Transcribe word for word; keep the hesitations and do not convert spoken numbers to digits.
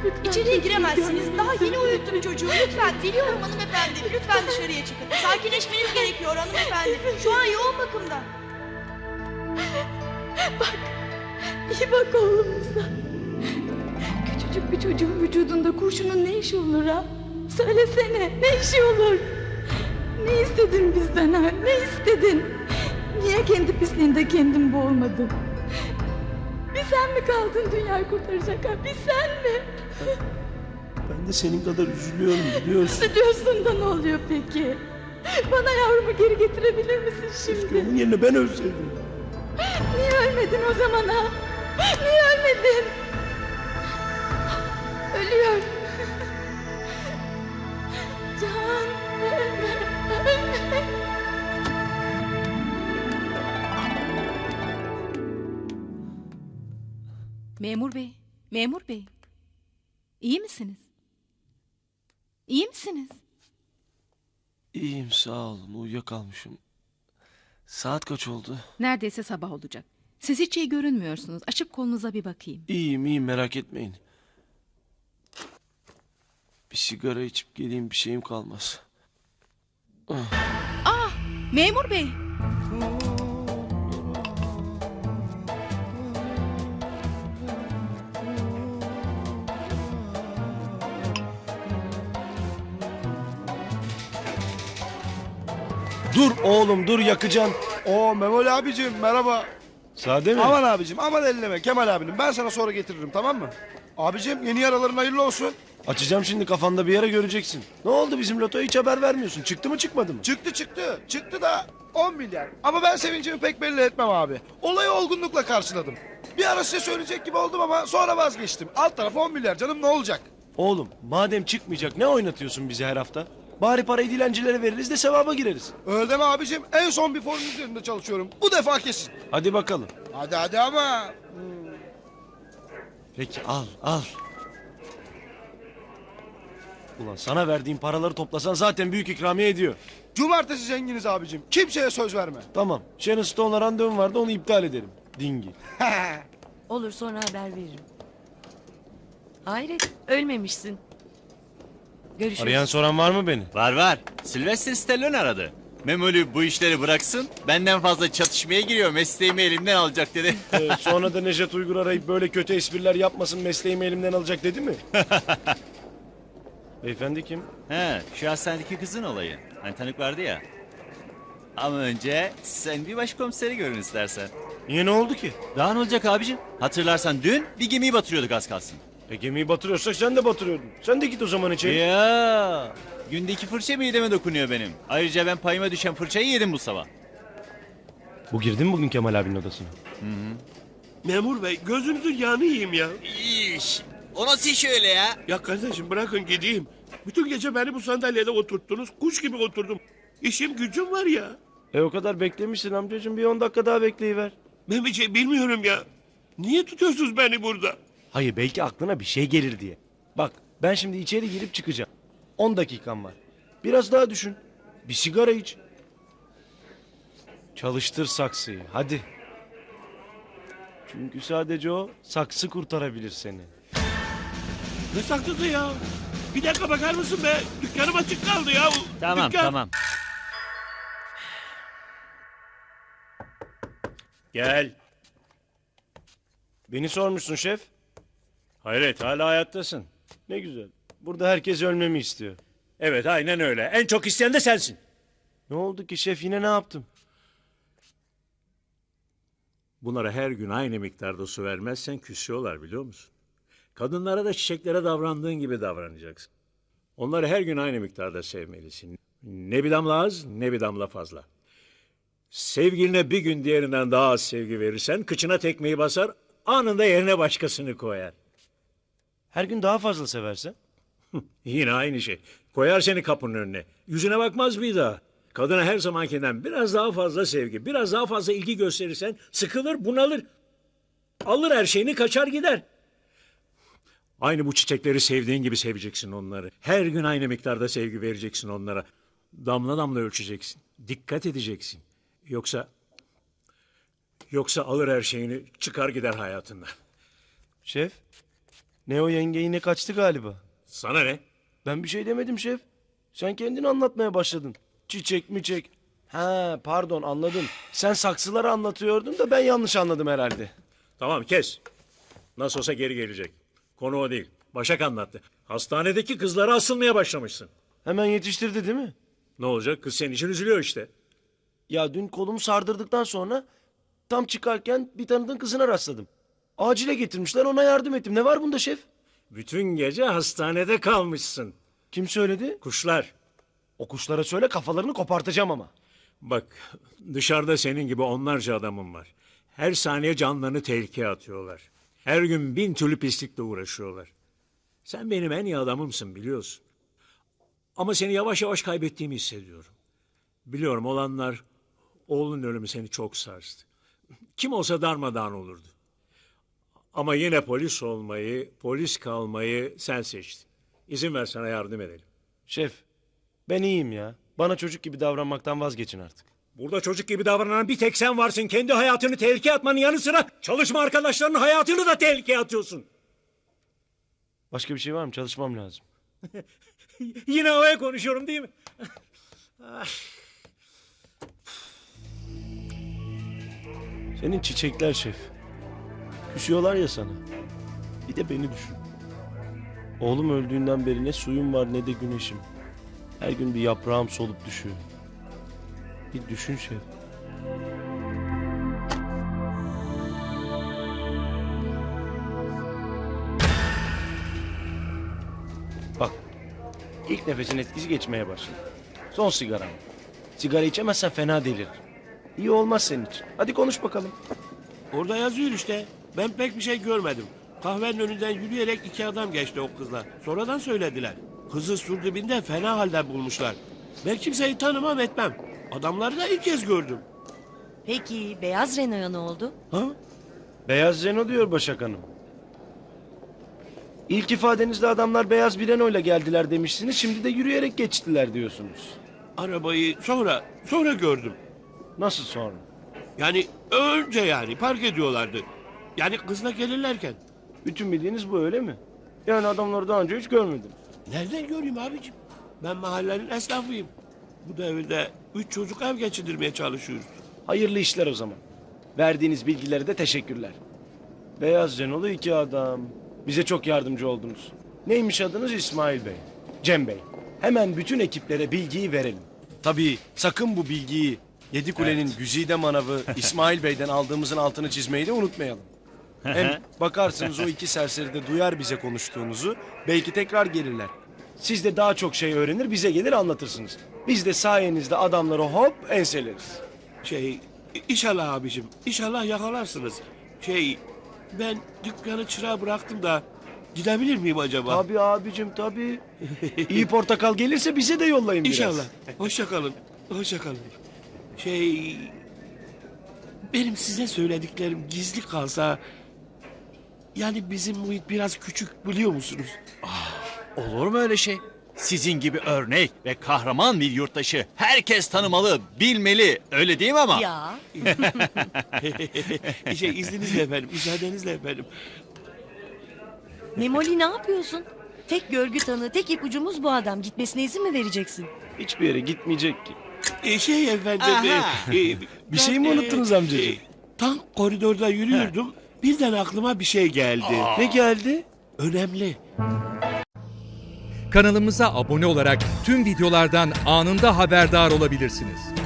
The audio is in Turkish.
Lütfen İçeriye çocuğumu giremezsiniz. görmek Daha yeni istiyorum. uyuttum çocuğu. Lütfen. Biliyorum hanımefendi. Lütfen dışarıya çıkın. Sakinleşmeniz gerekiyor hanımefendi. Şu an yoğun bakımda. Bak, iyi bak oğlumuza. Küçücük bir çocuğun vücudunda kurşunun ne işi olur ha? Söylesene, ne işi olur? Ne istedin bizden ha? Ne istedin? Niye kendi pisliğinde kendin boğulmadın? Bir sen mi kaldın dünyayı kurtaracak ha? Bir sen mi? Ben de senin kadar üzülüyorum biliyorsun. Üzülüyorsun da ne oluyor peki? Bana yavrumu geri getirebilir misin şimdi? Onun yerine ben ölseydim. Niye ölmedin o zaman ha? Niye ölmedin? Ölüyor. Can, ölme, ölme. Memur bey, memur bey. İyi misiniz? İyi misiniz? İyiyim sağ olun, uyuyakalmışım. Saat kaç oldu? Neredeyse sabah olacak. Siz hiç iyi görünmüyorsunuz. Açıp kolunuza bir bakayım. İyiyim iyiyim, merak etmeyin. Bir sigara içip geleyim, bir şeyim kalmaz. Memur bey. Dur oğlum dur, yakacağım. Oo Memoli abicim merhaba. Sade mi? Aman abicim aman elleme Kemal abinin. Ben sana sonra getiririm tamam mı? Abicim yeni yaraların hayırlı olsun. Açacağım şimdi, kafanda bir yere göreceksin. Ne oldu bizim lotoya, hiç haber vermiyorsun. Çıktı mı çıkmadı mı? Çıktı çıktı. Çıktı da on milyar. Ama ben sevincimi pek belli etmem abi. Olayı olgunlukla karşıladım. Bir ara size söyleyecek gibi oldum ama sonra vazgeçtim. Alt taraf on milyar canım, ne olacak? Oğlum madem çıkmayacak, ne oynatıyorsun bizi her hafta? Bari parayı dilencilere veririz de sevaba gireriz. Öyle deme abicim. En son bir formül üzerinde çalışıyorum. Bu defa kesin. Hadi bakalım. Hadi hadi ama. Peki al al. Ulan sana verdiğim paraları toplasan zaten büyük ikramiye ediyor. Cumartesi zenginiz abicim. Kimseye söz verme. Tamam. Sharon Stone'la randevum vardı, onu iptal edelim. Dingi. Olur, sonra haber veririm. Hayret, ölmemişsin. Görüşürüz. Arayan soran var mı beni? Var var. Sylvester Stallone aradı. Memoli bu işleri bıraksın. Benden fazla çatışmaya giriyor. Mesleğimi elimden alacak dedi. Ee, sonra da Nejat Uygur arayıp böyle kötü espriler yapmasın, mesleğimi elimden alacak dedi mi? Beyefendi kim? He, şu hastanedeki kızın olayı. Hani tanık vardı ya. Ama önce sen bir başkomiseri görün istersen. Niye, ne oldu ki? Daha ne olacak abicim? Hatırlarsan dün bir gemiyi batırıyorduk az kalsın. E gemiyi batırıyorsak sen de batırıyordun. Sen de git o zaman içeri. Ya, günde iki fırça mideme dokunuyor benim. Ayrıca ben payıma düşen fırçayı yedim bu sabah. Bu girdi mi bugün Kemal abinin odasına? Memur bey gözünüzün yağını yiyeyim ya. İş. O nasıl iş öyle ya? Ya kardeşim bırakın gideyim. Bütün gece beni bu sandalyede oturttunuz. Kuş gibi oturdum. İşim gücüm var ya. E o kadar beklemişsin amcacığım, bir on dakika daha bekleyiver. Ben bir şey bilmiyorum ya. Niye tutuyorsunuz beni burada? Hayır, belki aklına bir şey gelir diye. Bak ben şimdi içeri girip çıkacağım. On dakikam var. Biraz daha düşün. Bir sigara iç. Çalıştır saksıyı hadi. Çünkü sadece o saksı kurtarabilir seni. Ne saklısı ya? Bir dakika bakar mısın be? Dükkanım açık kaldı ya. Tamam Dükkan. tamam. Gel. Beni sormuşsun şef. Hayret, hala hayattasın. Ne güzel. Burada herkes ölmemi istiyor. Evet, aynen öyle. En çok isteyen de sensin. Ne oldu ki şef, yine ne yaptım? Bunlara her gün aynı miktarda su vermezsen küsüyorlar, biliyor musun? Kadınlara da çiçeklere davrandığın gibi davranacaksın. Onları her gün aynı miktarda sevmelisin. Ne bir damla az, ne bir damla fazla. Sevgiline bir gün diğerinden daha az sevgi verirsen kıçına tekmeyi basar, anında yerine başkasını koyar. Her gün daha fazla seversen? Yine aynı şey. Koyar seni kapının önüne. Yüzüne bakmaz bir daha. Kadına her zamankinden biraz daha fazla sevgi, biraz daha fazla ilgi gösterirsen sıkılır, bunalır. Alır her şeyini, kaçar gider. Aynı bu çiçekleri sevdiğin gibi seveceksin onları. Her gün aynı miktarda sevgi vereceksin onlara. Damla damla ölçeceksin. Dikkat edeceksin. Yoksa... Yoksa alır her şeyini, çıkar gider hayatından. Şef, Ne o yenge yine kaçtı galiba. Sana ne? Ben bir şey demedim şef. Sen kendini anlatmaya başladın. Çiçek mi çek? Ha pardon anladım. Sen saksıları anlatıyordun da ben yanlış anladım herhalde. Tamam kes. Nasıl olsa geri gelecek. Konu o değil. Başak anlattı. Hastanedeki kızlara asılmaya başlamışsın. Hemen yetiştirdi değil mi? Ne olacak? Kız senin için üzülüyor işte. Ya dün kolumu sardırdıktan sonra tam çıkarken bir tanıdığın kızına rastladım. Acile getirmişler ona yardım ettim. Ne var bunda şef? Bütün gece hastanede kalmışsın. Kim söyledi? Kuşlar. O kuşlara söyle kafalarını kopartacağım ama. Bak dışarıda senin gibi onlarca adamım var. Her saniye canlarını tehlikeye atıyorlar. Her gün bin türlü pislikle uğraşıyorlar. Sen benim en iyi adamımsın biliyorsun. Ama seni yavaş yavaş kaybettiğimi hissediyorum. Biliyorum olanlar, oğlun ölümü seni çok sarstı. Kim olsa darmadağın olurdu. Ama yine polis olmayı, polis kalmayı sen seçtin. İzin ver sana yardım edelim. Şef ben iyiyim ya. Bana çocuk gibi davranmaktan vazgeçin artık. Burada çocuk gibi davranan bir tek sen varsın. Kendi hayatını tehlikeye atmanın yanı sıra çalışma arkadaşlarının hayatını da tehlikeye atıyorsun. Başka bir şey var mı? Çalışmam lazım. Yine havaya konuşuyorum değil mi? Senin çiçekler şef. Küsüyorlar ya sana. Bir de beni düşün. Oğlum öldüğünden beri ne suyum var ne de güneşim. Her gün bir yaprağım solup düşüyor. Bir düşün şef. Bak. İlk nefesin etkisi geçmeye başladı. Son sigaram. Sigara içemezsen fena delir. İyi olmaz senin için. Hadi konuş bakalım. Orada yazıyor işte. Ben pek bir şey görmedim. Kahvenin önünden yürüyerek iki adam geçti o kızla. Sonradan söylediler. Kızı sur dibinde fena halde bulmuşlar. Ben kimseyi tanımam etmem. Adamları da ilk kez gördüm. Peki beyaz Renault'a ne oldu? Ha? Beyaz Renault diyor Başak Hanım. İlk ifadenizde adamlar beyaz bir Renault'la geldiler demişsiniz. Şimdi de yürüyerek geçtiler diyorsunuz. Arabayı sonra, sonra gördüm. Nasıl sonra? Yani önce yani park ediyorlardı. Yani kızla gelirlerken. Bütün bildiğiniz bu öyle mi? Yani adamları daha önce hiç görmedim. Nereden göreyim abicim? Ben mahallenin esnafıyım. Bu devirde üç çocuk ev geçindirmeye çalışıyoruz. Hayırlı işler o zaman. Verdiğiniz bilgilere de teşekkürler. Beyaz Renault'lu iki adam. Bize çok yardımcı oldunuz. Neymiş adınız? İsmail Bey. Cem Bey. Hemen bütün ekiplere bilgiyi verelim. Tabii sakın bu bilgiyi Yedikule'nin güzide manavı İsmail Bey'den aldığımızın altını çizmeyi de unutmayalım. Hem bakarsınız o iki serseri de duyar bize konuştuğunuzu. Belki tekrar gelirler. Siz de daha çok şey öğrenir bize gelir anlatırsınız. Biz de sayenizde adamları hop enseleriz. Şey, inşallah abicim, inşallah yakalarsınız. Şey, ben dükkanı çırağa bıraktım da gidebilir miyim acaba? Tabii abicim tabii. İyi portakal gelirse bize de yollayın biraz. İnşallah. Hoşça kalın, hoşça kalın. Şey, benim size söylediklerim gizli kalsa... Yani bizim muhit biraz küçük biliyor musunuz? Olur mu öyle şey? Sizin gibi örnek ve kahraman bir yurttaşı herkes tanımalı, bilmeli. Öyle değil mi ama? Ya şey izninizle efendim, müsaadenizle efendim. Memoli ne yapıyorsun? Tek görgü tanığı, tek ipucumuz bu adam. Gitmesine izin mi vereceksin? Hiçbir yere gitmeyecek ki. Ee, şey efendim... Aha. e, e, Bir şey mi ben, unuttunuz e, amcacığım? e, Tam koridorda yürüyordum. Birden aklıma bir şey geldi. Ne geldi? Önemli. Kanalımıza abone olarak tüm videolardan anında haberdar olabilirsiniz.